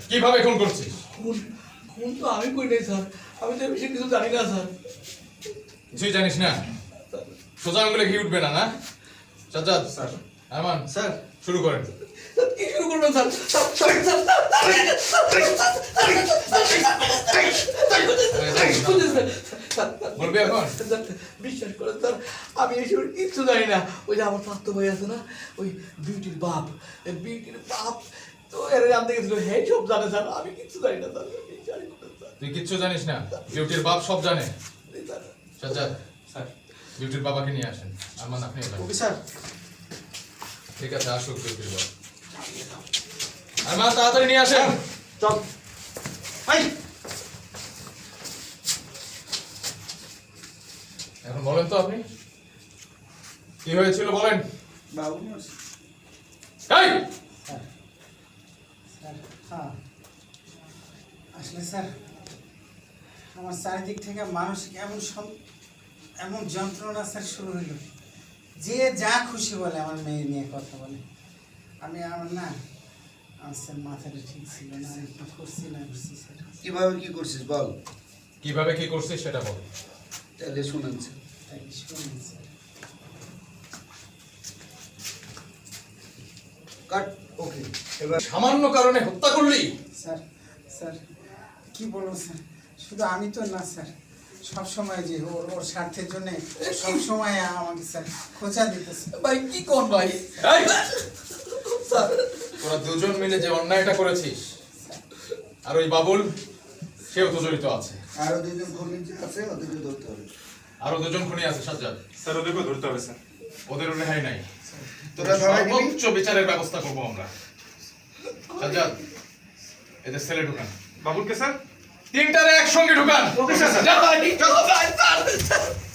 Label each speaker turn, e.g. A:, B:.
A: কিভাবে খুন করছিস?
B: খুন খুন তো আমি করি নাই স্যার, আমি তো বেশি কিছু জানি না স্যার।
A: কিছুই জানিস না? সোজা আঙুলে ঘি উঠবে না, না? সাজ্জাদ
B: স্যার।
A: আমান
B: স্যার
A: শুরু করেন।
B: কি শুরু করবেন স্যার?
A: বলবি এখন?
B: বিশ্বাস করেন স্যার, আমি এসব কিচ্ছু জানি না। ওই যে আমার স্বাস্থ্য ভাই আছে না, ওই বিউটির বাপ, তো এর জানতে গেছিল, হে সব জানে স্যার, আমি কিচ্ছু জানি না স্যার। বিশ্বাস করেন স্যার।
A: তুই কিচ্ছু জানিস না? বিউটির বাপ সব জানে।
B: স্যার
A: সাজ্জাদ
B: স্যার
A: বিউটির বাবাকে নিয়ে আসেন। আমান আপনি এলেন।
B: Okay sir.
A: ঠিক আছে, আসুক বিউটির বাবা। আমান তাড়াতাড়ি নিয়ে আসেন।
B: চল ভাই।
A: এখন বলেন তো আপনি কি হয়েছিল বলেন।
B: বাবু
A: এই
C: স্যার হ্যাঁ, আসলে স্যার আমার চারিদিক থেকে মানুষ এমন যন্ত্রণা স্যার শুরু হইল, যে যা খুশি বলে আমার মেয়ে নিয়ে কথা বলে। আমার না, আমার স্যার মাথাটা ঠিক ছিল না, আমি কি করছি না করছি স্যার।
D: কিভাবে কি করছিস বল,
A: কিভাবে কি করছিস সেটা বল।
D: তাহলে শুনেন স্যার।
C: তাই শুনুন স্যার।
D: কাট ওকে। এবার
A: সামান্য কারণে হত্যা করলি?
C: স্যার স্যার কি বলবো স্যার, শুধু আমি তো না স্যার, সবসময় যে ওর স্বার্থের জন্য সবসময় আমাকে স্যার খোঁচা দিতেছে।
B: ভাই কি কোন ভাই?
A: এই
B: স্যার
A: তোরা দুজন মিলে যে অন্যায়টা করেছিস, আর ওই বাবুল সেও তো জড়িত আছে।
D: আরো দুজন খুনি আছে, ওদেরকে ধরতে হবে।
A: আরো দুজন খুনি আছে সাজ্জাদ,
E: স্যার ওদেরকেও ধরতে হবে স্যার।
A: ওদের রেহাই নাই।
D: তোরা ধরাই দিবি?
A: সর্বোচ্চ বিচারের ব্যবস্থা করবো আমরা। সাজ্জাদ এদের সেলে ঢুকান।
E: বাবুলকে স্যার?
A: তিনটারে একসঙ্গে ঢুকান।
E: Okay sir.
A: যা ভাই,
B: ভাই স্যার